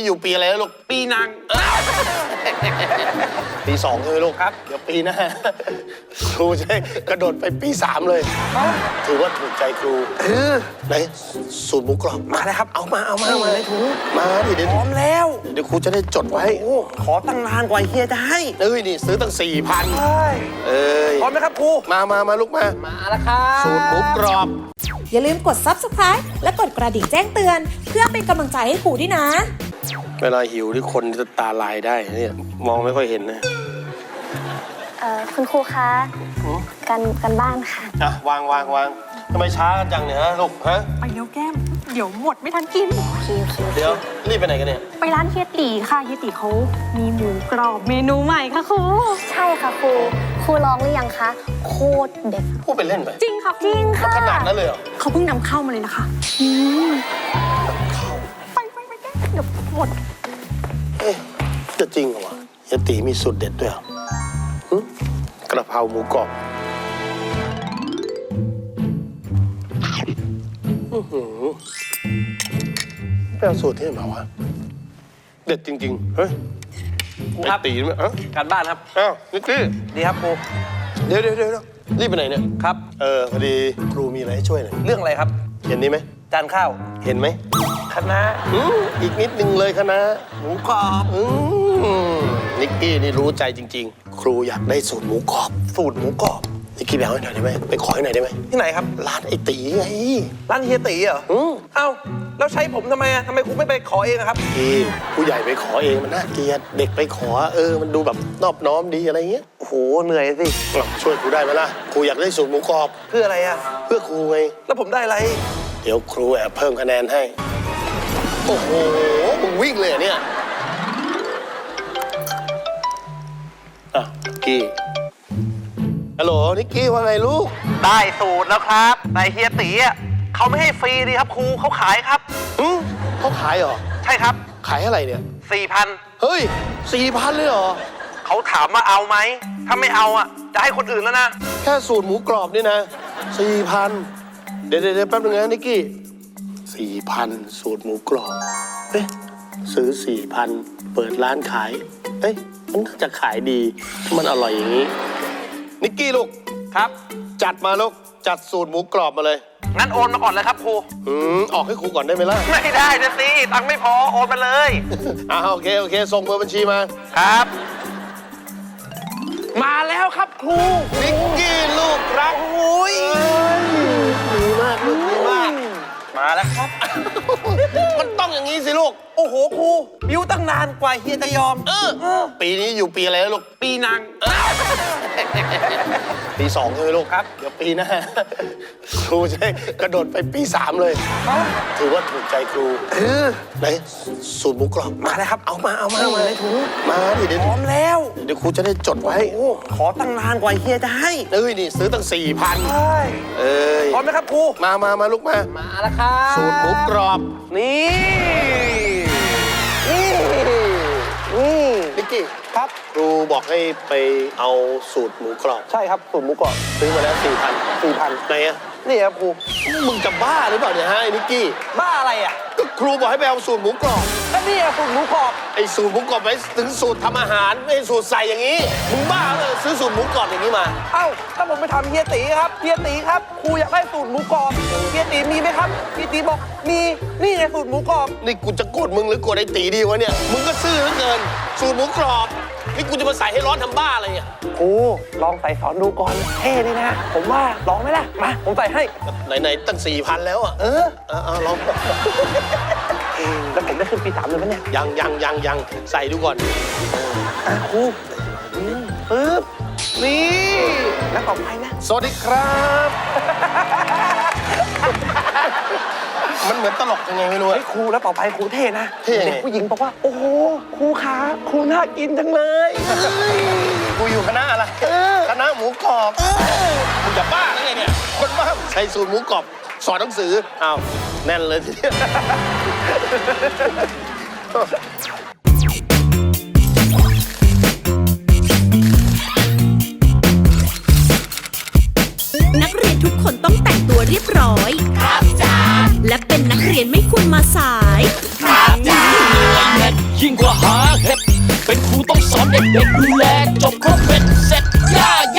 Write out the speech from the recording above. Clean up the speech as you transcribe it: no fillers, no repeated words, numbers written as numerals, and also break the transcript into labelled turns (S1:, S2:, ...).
S1: อยู่ปีอะไรแล้วลูก
S2: ปีนัง
S1: ปี2ใช่ไหมลูกครับเดี๋ยวปีหน้าครูจะกระโดดไปปี3เลยถือว่าถูกใจครูไหนสูตรหมูกรอบ
S2: มาแล้วครับเอามา
S1: ในถุงมาดิเดี๋ยว
S2: พร้อมแล้ว
S1: เดี๋ยวครูจะได้จดไว้
S2: ขอตั้งนานกว่าเฮียจะให้
S1: นี่ซื้อตั้ง 4,000
S2: พร้อมไหมครับครู
S1: มาลูกมา
S2: แล้วครับ
S1: สูตรหมูกรอบ
S3: อย่าลืมกด Subscribe และกดกระดิ่งแจ้งเตือนเพื่อเป็นกำลังใจให้ครูด้วยนะ
S1: เวลาหิวที่คนจะตาลายได้เนี่ยมองไม่ค่อยเห็นนะ
S4: คุณครูคะกันบ้านค่ะ
S1: วางทำไมช้ากันจังเนี่ยฮะลูกฮะ
S5: ไปเร็วแก้มเดี๋ยวหมดไม่ทันกิน
S1: เดี๋ยวรีบไปไหนกันเนี่ย
S5: ไปร้านเฮียตีค่ะเฮียตีเขามีหมูกรอบเมนูใหม่ค่ะครู
S4: ใช่ค่ะครูลองหรือยังคะโคตรเด็ด
S1: พูดเป็นเล่นไป
S5: จริงค่ะ
S4: จริงค่ะ
S1: ขนาดนั้นเลยเหรอ
S5: เขาเพิ่งนำเข้ามาเลยนะคะไปแก้มเดี๋ยวหมด
S1: จะจริงเหรอวะเฮียตีมีสูตรเด็ดด้วยเหรอกระเพราหมูกรอบไปเอาสูตรที่ไหนมาวะเด็ดจริงๆเฮ้ย
S2: ครับ
S1: ตีไหม
S2: การบ้านครับ
S1: นิกกี้
S2: ดีครับครู
S1: เดี๋ยวรีบไปไหนเนี่ย
S2: ครับ
S1: พอดีครูมีอะไรให้ช่วยหน่อย
S2: เรื่องอะไรครับ
S1: เห็นนี้ไหม
S2: จานข้าว
S1: เห็นไหม
S2: คะน้า
S1: อีกนิดนึงเลยคะน้า
S2: หมูกรอบ
S1: นิกกี้นี่รู้ใจจริงๆครูอยากได้สูตรหมูกรอบนิกกี้ไปเอาให้หน่อยได้ไหมไปขอให้หน่อยได้ไหม
S2: ที่ไหนครับ
S1: ร้านไอตีไง
S2: ร้านเฮียตีเหรอเอ้าแล้วใช้ผมทำไมทำไมครูไม่ไปขอเองครับ
S1: พี่ผู้ใหญ่ไปขอเองมันน่าเกลียดเด็กไปขอมันดูแบบนอบน้อมดีอะไรเงี้ย
S2: โอ้โหเหนื่อยสิ
S1: ช่วยครูได้ไหมล่ะครูอยากได้สูตรหมูกรอบ
S2: เพื่ออะไร
S1: เพื่อครูไง
S2: แล้วผมได้อะไร
S1: เดี๋ยวครูแอบเพิ่มคะแนนให้โอ้โหมึงวิ่งเลยเนี่ยกี้ฮัลโหลนิกกี้ว่าไงลูก
S2: ได้สูตรแล้วครับแต่เฮียตีเขาไม่ให้ฟรีดีครับครูเขาขายครับ
S1: เขาขายเหรอ
S2: ใช่ครับ
S1: ขายอะไรเนี่ย
S2: 4,000
S1: เฮ้ย4,000เลยเหรอ
S2: เขาถามว่าเอาไหมถ้าไม่เอาจะให้คนอื่นแล้วนะ
S1: แค่สูตรหมูกรอบนี่นะ4,000เดี๋ยวแป๊บนึงนะนิกกี้4,000สูตรหมูกรอบซื้อ4,000เปิดร้านขายมันน่าจะขายดีมันอร่อยอย่างนี้นิกกี้ลูก
S2: ครับ
S1: จัดมาลูกจัดสูตรหมูกรอบมาเลย
S2: งั้นโอนมาก่อนเลยครับครู
S1: ออกให้ครูก่อนได้ไหมล่ะ
S2: ไม่ได้นะสิตังค์ไม่พอโอนมาเลย
S1: โอเคส่งเบอร์บัญชีมา
S2: ครับมาแล้วครับครู
S1: นิกกี้ลูกรักดีมากลูกดีมาก
S2: มาแล้วครับ
S1: มันต้องอย่างนี้สิลูก
S2: โอ้โหครูบิ้วตั้งนานกว่าเฮียจะยอม
S1: ปีนี้อยู่ปีอะไรแล้วลูก
S2: ปีนัง
S1: ปี2ใช่ไหมลูกครับเดี๋ยวปีหน้าครูจะกระโดดไปปี3เลยถือว่าถูกใจครูไหนสูตรหมูกรอบ
S2: มาแล้วครับเอามา
S1: ในถุงมาดิเดี๋ยว
S2: พร้อมแล้ว
S1: เดี๋ยวครูจะได้จดไว้
S2: ขอตั้งนานกว่าเฮียจะให้
S1: นี่ซื้อตั้ง 4,000
S2: พร้อมไหมครับครู
S1: มาลูกมา
S2: แล้วครับ
S1: สูตรหมูกรอบ
S2: นี่
S1: นิกกี้
S2: ครับ
S1: ครูบอกให้ไปเอาสูตรหมูกรอบ
S2: ใช่ครับสูตรหมูกรอบ
S1: ซื้อมาแล้ว4,000ไหน
S2: นี่ครับครู
S1: มึงจะบ้าหรือเปล่าเนี่ยฮะไอ้นิกกี้
S2: บ้าอะไร
S1: ก็ครูบอกให้ไปเอาสูตรหมูกรอบ
S2: ก็นี่สูตรหมูกรอบ
S1: ไอ้สูตรหมูกรอบไปถึงสูตรทำอาหารไม่สูตรใส่อย่างนี้มึงบ้าเลยซื้อสูตรหมูกรอบอย่างนี้มา
S2: ถ้าผมไปทำเฮียตีครับครูอยากได้สูตรหมูกรอบเฮียตีมีไหมครับเฮียตีบอกมีนี่ไงสูตรหมูกรอบ
S1: นี่กูจะโกรธมึงหรือโกรธไอ้ตีดีวะเนี่ยมึงก็ซื่อเหลือเกินสูตรหมูกรอบนี่กูจะมาใส่ให้ร้อนทำบ้าอะไรเนี่ย
S2: ครูลองใส่สอนดูก่อนเท่ดีนะผมว่าลองไหมล่ะมาผมใส่ให้
S1: ไหนตั้ง 4,000 แล้วลอง
S2: แล้วผมได้ขึ้นปี3เลยไหมเนี่ย
S1: ยังใส่ดูก่อน
S2: ครูปึ๊บนี่แล้วต่อไปนะ
S1: สวัสดีครับมันเหมือนตลกยังไงไม่รู้
S2: ครูแล้วต่อไปครูเท่นะเด็กผู้หญิงบอกว่าโอ้โหครูขาครูน่ากินจังเลย
S1: กูอยู่คณะอะไรคณะหมูกรอบมึงจะบ้าหรือไงเนี่ยคนบ้าใช้สูตรหมูกรอบสอนหนังสือแน่นเลยทีเดียว
S3: นักเรียนทุกคนต้องแต่งตัวเรียบร้อยครับจ้าและเป็นนักเรียนไม่ควรมาสายครับจ้า
S6: เด็กๆดูแลจบครบ